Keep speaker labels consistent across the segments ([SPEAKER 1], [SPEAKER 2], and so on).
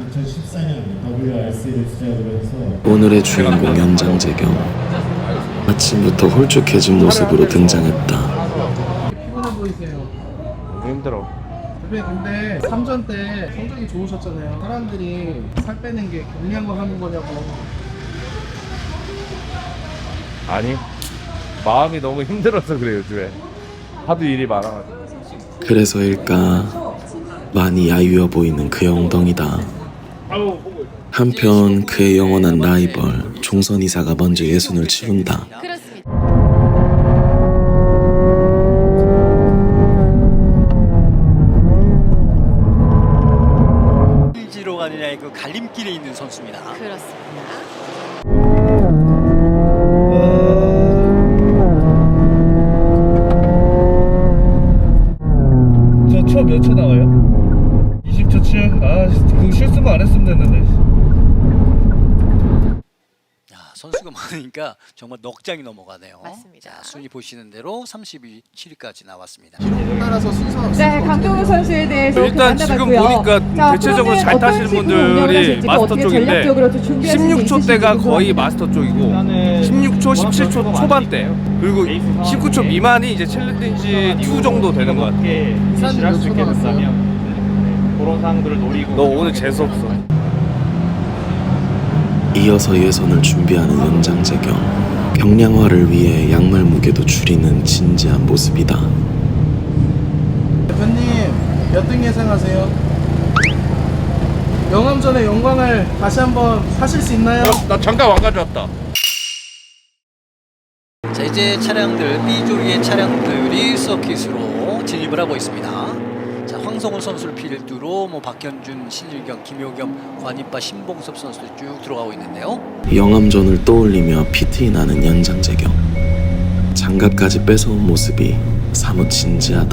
[SPEAKER 1] 2014년 WRC를 시작으로 해서
[SPEAKER 2] 오늘의 주인공 연장재경 아침부터 홀쭉해진 모습으로 등장했다.
[SPEAKER 3] 피곤해 보이세요.
[SPEAKER 4] 너무 힘들어.
[SPEAKER 3] 선배님 근데 3전 때 성적이 좋으셨잖아요. 사람들이 살 빼는 게 경리한 거 하는 거냐고.
[SPEAKER 4] 아니, 마음이 너무 힘들어서 그래 요즘에. 하도 일이 많아가지고.
[SPEAKER 2] 그래서일까 많이 야유어 보이는 그의 엉덩이다. 한편 그의 영원한 라이벌 종선 이사가 먼저 예순을 치룬다.
[SPEAKER 5] 그렇습니다.
[SPEAKER 6] 지로 가느냐의 그 갈림길에 있는 선수입니다.
[SPEAKER 5] 그렇습니다.
[SPEAKER 3] 저 초 몇 초 나와요? 20초 7? 아, 그 실수만 안 했으면 됐는데.
[SPEAKER 6] 야, 선수가 많으니까 정말 넉 장이 넘어가네요.
[SPEAKER 5] 맞습니다.
[SPEAKER 6] 자, 순위 보시는 대로 37위까지 나왔습니다.
[SPEAKER 3] 기록 따라서 순서.
[SPEAKER 7] 네, 강동우 선수에 대해서
[SPEAKER 4] 일단 지금 보니까 대체적으로 잘 타시는 분들이 마스터 쪽인데 16초 대가 거의 마스터 쪽이고 16초, 17초 초반대 그리고 19초 미만이 이제 챌린지 2 정도 되는 것 같아.
[SPEAKER 3] 이사님 몇 초 나왔어요?
[SPEAKER 8] 그런 상황들을 노리고
[SPEAKER 4] 너 오늘 재수 없어.
[SPEAKER 2] 이어서 예선을 준비하는 연장재경. 경량화를 위해 양말 무게도 줄이는 진지한 모습이다.
[SPEAKER 3] 대표님 몇 등 예상하세요? 영암전의 영광을 다시 한번 하실 수 있나요?
[SPEAKER 4] 나 잠깐 왕 가져왔다.
[SPEAKER 6] 자, 이제 차량들 B조리의 차량들이 서킷으로 진입을 하고 있습니다. 자, 황성훈 선수를 필두로 뭐 박현준, 신일경, 김효겸, 관이빠, 신봉섭 선수들 쭉 들어가고 있는데요.
[SPEAKER 2] 영암전을 떠올리며 피트인하는 연장재경. 장갑까지 뺏어온 모습이 사뭇 진지하다.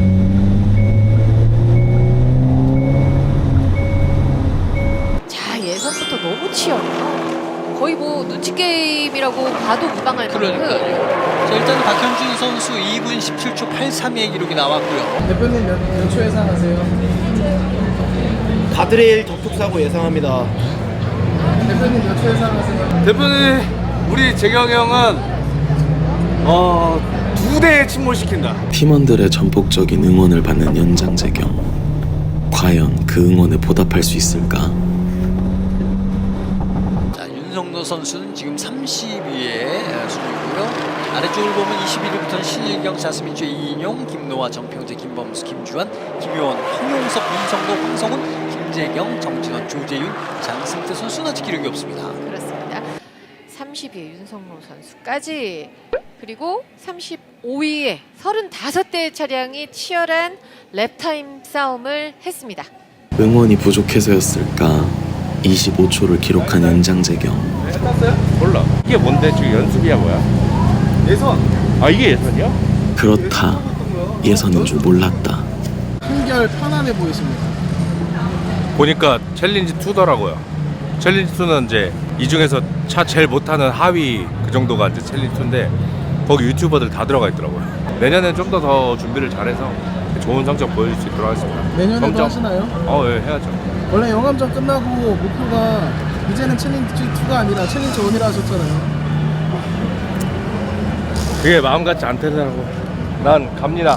[SPEAKER 5] 자, 예선부터 너무 치열해요. 거의 뭐 눈치 게임이라고 봐도 무방할 만큼.
[SPEAKER 6] 그러니까요. 자, 일단 박현준 선수 2분 17초 83의 기록이 나왔고요.
[SPEAKER 3] 대표님 몇 초 예상하세요?
[SPEAKER 8] 가드레일 접촉사고 예상합니다.
[SPEAKER 3] 대표님 몇 초 예상하세요?
[SPEAKER 4] 대표님, 우리 재경이 형은 2대에 침몰시킨다.
[SPEAKER 2] 팀원들의 전폭적인 응원을 받는 연장재경. 과연 그 응원에 보답할 수 있을까?
[SPEAKER 6] 자, 윤성노 선수는 지금 30위의 순위고요. 아래쪽을 보면 21위부터는 신일경, 자스민주, 이인용, 김노아, 정평재, 김범수, 김주환, 김효원, 황용석, 윤성노, 황성훈, 김재경, 정진원, 조재윤, 장승태 선수는 아직 기록이 없습니다.
[SPEAKER 5] 그렇습니다. 30위의 윤성로 선수까지, 그리고 35위에 35대의 차량이 치열한 랩타임 싸움을 했습니다.
[SPEAKER 2] 응원이 부족해서였을까? 25초를 기록한 연장재경.
[SPEAKER 4] 탔어요? 몰라. 이게 뭔데? 지금 연습이야 뭐야? 예선. 아, 이게 예선이야?
[SPEAKER 2] 그렇다. 예선인 줄 몰랐다.
[SPEAKER 3] 한결 편안해 보이십니다.
[SPEAKER 4] 보니까 챌린지 2더라고요. 챌린지 2는 이제 이 중에서 차 제일 못하는 하위 그 정도가 이제 챌린지 2인데 거기 유튜버들 다 들어가 있더라고요. 내년엔 좀 더 준비를 잘해서 좋은 성적 보여줄 수 있도록 하겠습니다.
[SPEAKER 3] 내년에도
[SPEAKER 4] 점점.
[SPEAKER 3] 하시나요?
[SPEAKER 4] 예, 해야죠.
[SPEAKER 3] 원래 영암전 끝나고 목표가 이제는 챌린지 2가 아니라 챌린지 1이라 하셨잖아요.
[SPEAKER 4] 그게 마음 같지 않더라고. 난 갑니다.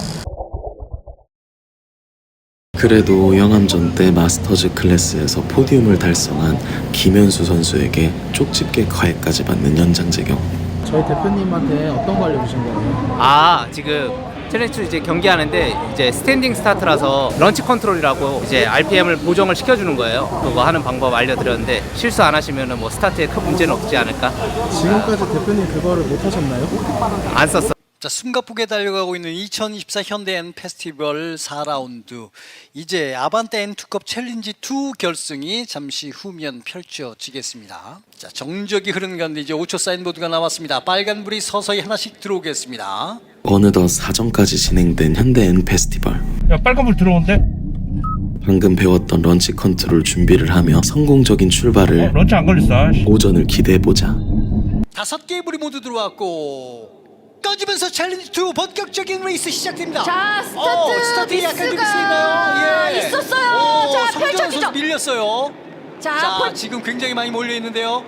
[SPEAKER 2] 그래도 영암전 때 마스터즈 클래스에서 포디움을 달성한 김현수 선수에게 쪽집게 과외까지 받는 연장재경.
[SPEAKER 3] 저희 대표님한테 어떤 거 알려주신 거예요?
[SPEAKER 8] 아, 지금 챌린지 이제 경기하는데 이제 스탠딩 스타트라서 런치 컨트롤이라고 이제 RPM을 보정을 시켜주는 거예요. 그거 하는 방법 알려드렸는데 실수 안 하시면은 뭐 스타트에 큰 문제는 없지 않을까?
[SPEAKER 3] 지금까지 대표님 그거를 못 하셨나요?
[SPEAKER 8] 안 썼어.
[SPEAKER 6] 자, 숨가쁘게 달려가고 있는 2024 현대 N 페스티벌 4라운드. 이제 아반떼 N2컵 챌린지 2 결승이 잠시 후면 펼쳐지겠습니다. 자, 정적이 흐르는 가운데 이제 5초 사인보드가 나왔습니다. 빨간불이 서서히 하나씩 들어오겠습니다.
[SPEAKER 2] 어느덧 사전까지 진행된 현대 N 페스티벌.
[SPEAKER 4] 야, 빨간불 들어온대?
[SPEAKER 2] 방금 배웠던 런치 컨트롤 준비를 하며 성공적인 출발을
[SPEAKER 4] 런치 안 걸렸어.
[SPEAKER 2] 오전을 기대해보자.
[SPEAKER 6] 5개의 불이 모두 들어왔고 꺼지면서 챌린지 2 본격적인 레이스 시작됩니다.
[SPEAKER 5] 자, 스타트
[SPEAKER 6] 스타트 약간 좀
[SPEAKER 5] 미스가
[SPEAKER 6] 있었나요? 예.
[SPEAKER 5] 있었어요. 자,
[SPEAKER 6] 성재원
[SPEAKER 5] 펼쳐지죠.
[SPEAKER 6] 선수 밀렸어요. 자, 지금 굉장히 많이 몰려 있는데요.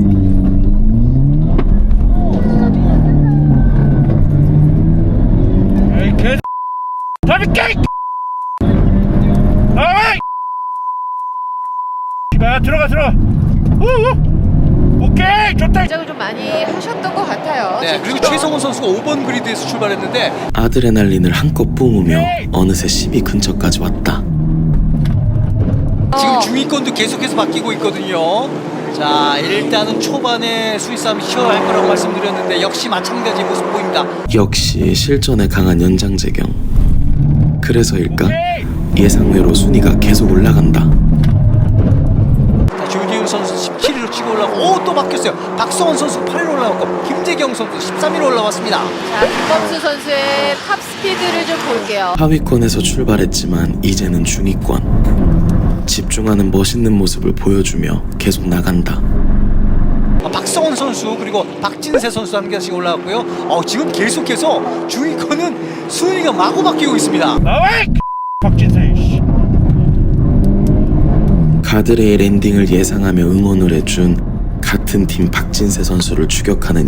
[SPEAKER 5] 긴장을 좀 많이 하셨던 것 같아요.
[SPEAKER 6] 네, 그리고 최성훈 선수가 5번 그리드에서 출발했는데
[SPEAKER 2] 아드레날린을 한껏 뿜으며 어느새 10위 근처까지 왔다.
[SPEAKER 6] 지금 중위권도 계속해서 바뀌고 있거든요. 자, 일단은 초반에 수위 싸움이 치열할 거라고 말씀드렸는데 역시 마찬가지 모습 보입니다.
[SPEAKER 2] 역시 실전에 강한 연장재경. 그래서일까? 예상외로 순위가 계속 올라간다.
[SPEAKER 6] 자, 조지훈 선수 17위로 치고 올라오고, 오, 또 바뀌었어요. 박성원 선수 8위로 올라왔고, 김재경 선수 13위로 올라왔습니다.
[SPEAKER 5] 자, 김범수 선수의 탑 스피드를 좀 볼게요.
[SPEAKER 2] 하위권에서 출발했지만 이제는 중위권. 집중하는 멋있는 모습을 보여주며 계속 나간다.
[SPEAKER 6] 박성원 선수 그리고 박진세 선수 한 개씩 올라왔고요. 지금 계속해서 중위권은 순위가 마구 바뀌고 있습니다.
[SPEAKER 2] 가드레일 엔딩을 예상하며 응원을 해준 같은 팀 박진세 선수를 추격하는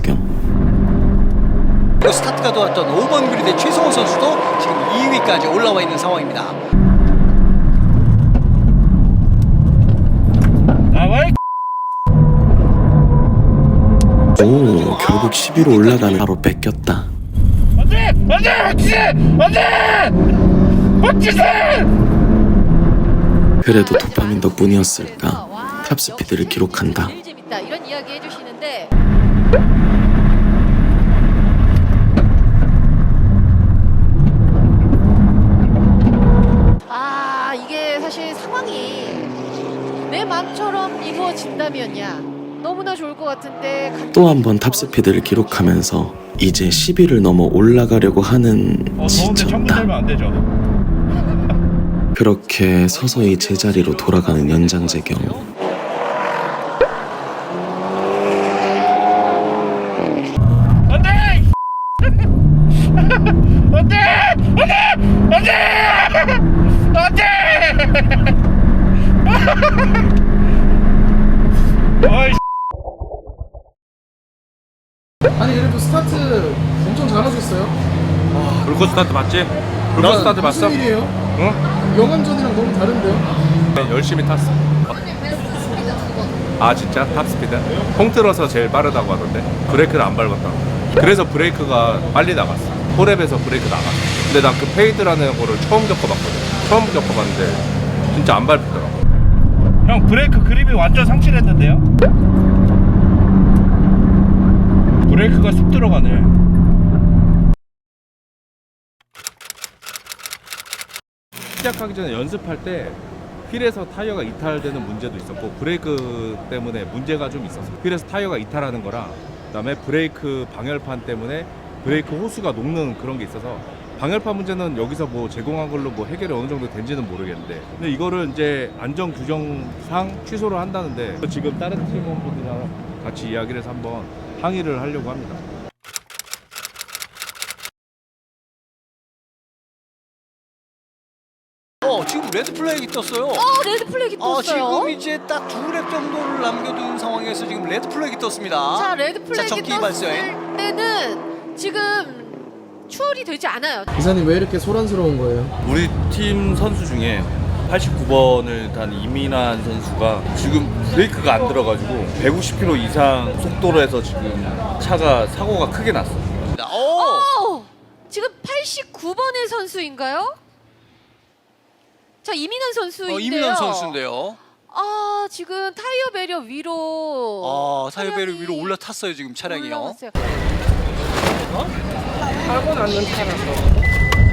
[SPEAKER 2] 연장재경.
[SPEAKER 6] 그리고 스타트가 도왔던 5번 그리드의 최성훈 선수도 지금 2위까지 올라와 있는 상황입니다.
[SPEAKER 2] 오, 결국 10위로 올라가는 바로 뺏겼다. 그래도 도파민 덕분이었을까 탑스피드를 기록한다.
[SPEAKER 5] 제일 재밌다 이런 이야기 해주시는데 이게 사실 상황이 내 마음처럼 이루어진다면야 너무나 좋을 것 같은데
[SPEAKER 2] 또 한 번 탑스피드를 기록하면서 이제 10위를 넘어 올라가려고 하는 지쳤다. 그렇게 서서히 제자리로 돌아가는 연장재경.
[SPEAKER 3] 아니 그래도 스타트 엄청 잘하셨어요.
[SPEAKER 4] 불꽃 스타트 맞지? 불꽃 스타트 봤어?
[SPEAKER 3] 무슨 일이에요?
[SPEAKER 4] 응?
[SPEAKER 3] 영암전이랑 너무 다른데요?
[SPEAKER 4] 네, 열심히 탔어. 아 진짜? 탑스피드? 통틀어서 제일 빠르다고 하던데 브레이크를 안 밟았다고. 그래서 브레이크가 빨리 나갔어. 포랩에서 브레이크 나갔어. 근데 난 그 페이드라는 거를 처음 겪어봤거든. 처음 겪어봤는데 진짜 안 밟히더라고.
[SPEAKER 9] 형 브레이크 그립이 완전 상실했는데요? 브레이크가 쑥 들어가네.
[SPEAKER 4] 시작하기 전에 연습할 때 휠에서 타이어가 이탈되는 문제도 있었고 브레이크 때문에 문제가 좀 있었어. 휠에서 타이어가 이탈하는 거랑 그다음에 브레이크 방열판 때문에 브레이크 호스가 녹는 그런 게 있어서 방열판 문제는 여기서 뭐 제공한 걸로 뭐 해결이 어느 정도 된지는 모르겠는데 근데 이거를 이제 안전 규정상 취소를 한다는데 지금 다른 팀원분들이랑 같이 이야기를 해서 한번 항의를 하려고 합니다.
[SPEAKER 6] 지금 레드 플래그가 떴어요.
[SPEAKER 5] 레드 플래그 떴어요.
[SPEAKER 6] 지금 이제 딱 2랩 정도를 남겨둔 상황에서 지금 레드 플래그가 떴습니다.
[SPEAKER 5] 자, 레드 플래그
[SPEAKER 6] 적기
[SPEAKER 5] 떴을
[SPEAKER 6] 발생.
[SPEAKER 5] 때는 지금 추월이 되지 않아요.
[SPEAKER 3] 기사님 왜 이렇게 소란스러운 거예요?
[SPEAKER 10] 우리 팀 선수 중에 89번을 단 이민환 선수가 지금 브레이크가 안 들어가지고 150km 이상 속도로 해서 지금 차가 사고가 크게 났어요.
[SPEAKER 5] 지금 89번의 선수인가요? 자, 이민환 선수인데요.
[SPEAKER 6] 이민환 선수인데요.
[SPEAKER 5] 지금 타이어 배리어 위로
[SPEAKER 6] 타이어 배리어 위로 올라탔어요 지금 차량이요.
[SPEAKER 5] 올라갔어요.
[SPEAKER 3] 사고 났는 차라서.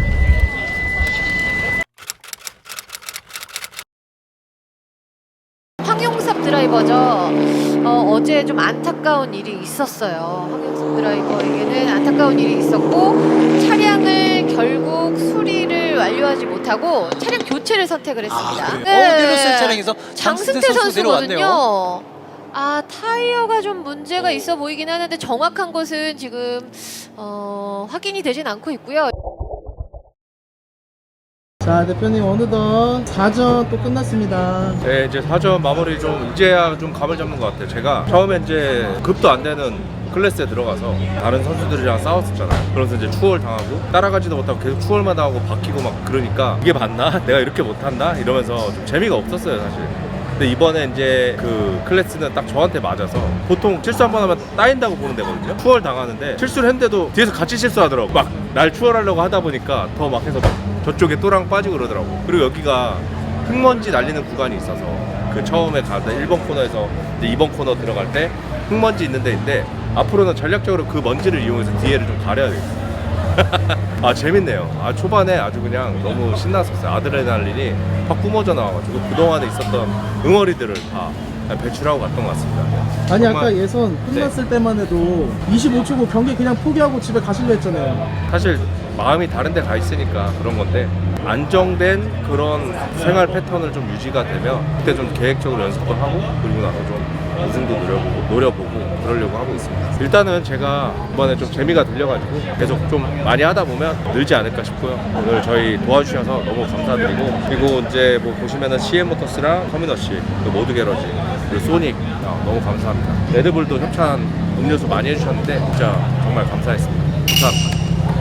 [SPEAKER 5] 황용섭 드라이버죠. 어제 좀 안타까운 일이 있었어요. 황용섭 드라이버에게는 안타까운 일이 있었고 차량을 결국 수리를 완료하지 못하고 차량 교체를 선택을 했습니다.
[SPEAKER 6] 내렸어요 차량에서
[SPEAKER 5] 장승태 선수거든요. 타이어가 좀 문제가 있어 보이긴 하는데 정확한 것은 지금 확인이 되진 않고 있고요.
[SPEAKER 3] 자, 대표님 어느덧 4전 또 끝났습니다.
[SPEAKER 4] 네, 이제 4점 마무리 좀 이제야 좀 감을 잡는 것 같아요. 제가 처음에 이제 급도 안 되는 클래스에 들어가서 다른 선수들이랑 싸웠었잖아요. 그래서 이제 추월 당하고 따라가지도 못하고 계속 추월만 당하고 바뀌고 막 그러니까 이게 맞나? 내가 이렇게 못한다? 이러면서 좀 재미가 없었어요, 사실. 근데 이번에 이제 그 클래스는 딱 저한테 맞아서 보통 실수 한 번 하면 따인다고 보는 데거든요. 추월 당하는데 실수를 했는데도 뒤에서 같이 실수하더라고. 막 날 추월하려고 하다 보니까 더 막 해서 막 저쪽에 또랑 빠지고 그러더라고. 그리고 여기가 흙먼지 날리는 구간이 있어서 그 처음에 가다 1번 코너에서 이제 2번 코너 들어갈 때 흙먼지 있는 데인데 앞으로는 전략적으로 그 먼지를 이용해서 뒤에를 좀 가려야 되겠어요. 아 재밌네요. 아 초반에 아주 그냥 너무 신났었어요. 아드레날린이 확 뿜어져 나와가지고 그동안에 있었던 응어리들을 다 배출하고 갔던 것 같습니다.
[SPEAKER 3] 아니
[SPEAKER 4] 정말-
[SPEAKER 3] 아까 예선 끝났을 때만 해도 25초고 경기 그냥 포기하고 집에 가시려 했잖아요.
[SPEAKER 4] 사실 마음이 다른 데 가 있으니까 그런 건데 안정된 그런 생활 패턴을 좀 유지가 되면 그때 좀 계획적으로 연습도 하고 그리고 나서 좀 우승도 노려보고 그러려고 하고 있습니다. 일단은 제가 이번에 좀 재미가 들려가지고 계속 좀 많이 하다 보면 늘지 않을까 싶고요. 오늘 저희 도와주셔서 너무 감사드리고 그리고 이제 뭐 보시면은 CM모터스랑 터미너시 그 모드 게러지 그리고 소닉 너무 감사합니다. 레드불도 협찬 음료수 많이 해주셨는데 진짜 정말 감사했습니다. 감사합니다.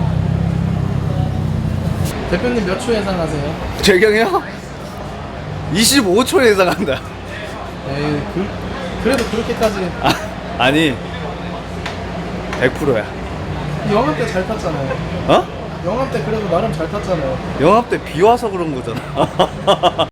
[SPEAKER 3] 대표님 몇 초 예상하세요?
[SPEAKER 10] 재경이요? 25초 예상한다.
[SPEAKER 3] 에이, 그래도 그렇게까지
[SPEAKER 10] 아니 100%야.
[SPEAKER 3] 영암 때 잘 탔잖아요.
[SPEAKER 10] 어?
[SPEAKER 3] 영암 때 그래도 나름 잘 탔잖아요.
[SPEAKER 10] 영합 때 비 와서 그런 거잖아.